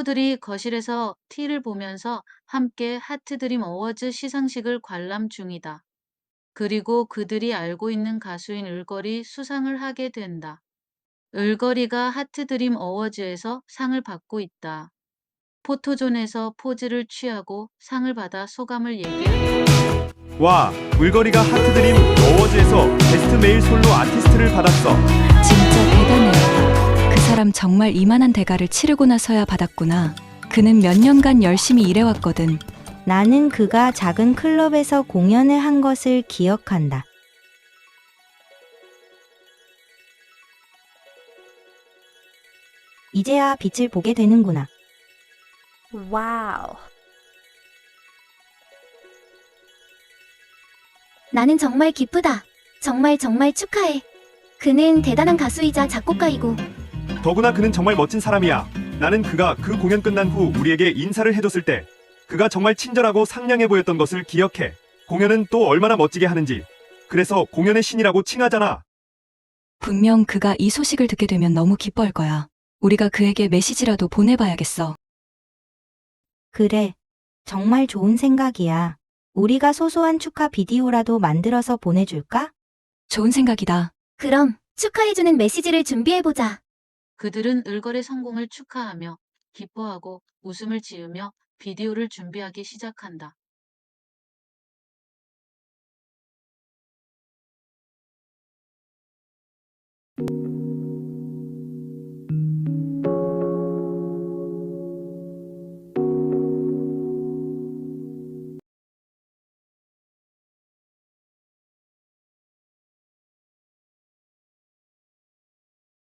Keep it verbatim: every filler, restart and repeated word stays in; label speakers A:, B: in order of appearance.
A: 친구들이 거실에서 티를 보면서 함께 하트드림 어워즈 시상식을 관람 중이다. 그리고 그들이 알고 있는 가수인 을걸이 수상을 하게 된다. 을걸이가 하트드림 어워즈에서 상을 받고 있다. 포토존에서 포즈를 취하고 상을 받아 소감을 얘기한다.
B: 와, 물거리가 하트드림 어워즈에서 베스트 메일 솔로 아티스트를 받았어.
C: 진짜 대단해. 그 사람 정말 이만한 대가를 치르고 나서야 받았구나. 그는 몇 년간 열심히 일해왔거든.
D: 나는 그가 작은 클럽에서 공연을 한 것을 기억한다. 이제야 빛을 보게 되는구나.
E: 와우.
F: 나는 정말 기쁘다. 정말 정말 축하해. 그는 대단한 가수이자 작곡가이고
B: 더구나 그는 정말 멋진 사람이야. 나는 그가 그 공연 끝난 후 우리에게 인사를 해줬을 때 그가 정말 친절하고 상냥해 보였던 것을 기억해. 공연은 또 얼마나 멋지게 하는지. 그래서 공연의 신이라고 칭하잖아.
C: 분명 그가 이 소식을 듣게 되면 너무 기뻐할 거야. 우리가 그에게 메시지라도 보내봐야겠어.
D: 그래, 정말 좋은 생각이야. 우리가 소소한 축하 비디오라도 만들어서 보내줄까?
C: 좋은 생각이다.
F: 그럼 축하해주는 메시지를 준비해보자.
A: 그들은 을걸의 성공을 축하하며 기뻐하고 웃음을 지으며 비디오를 준비하기 시작한다.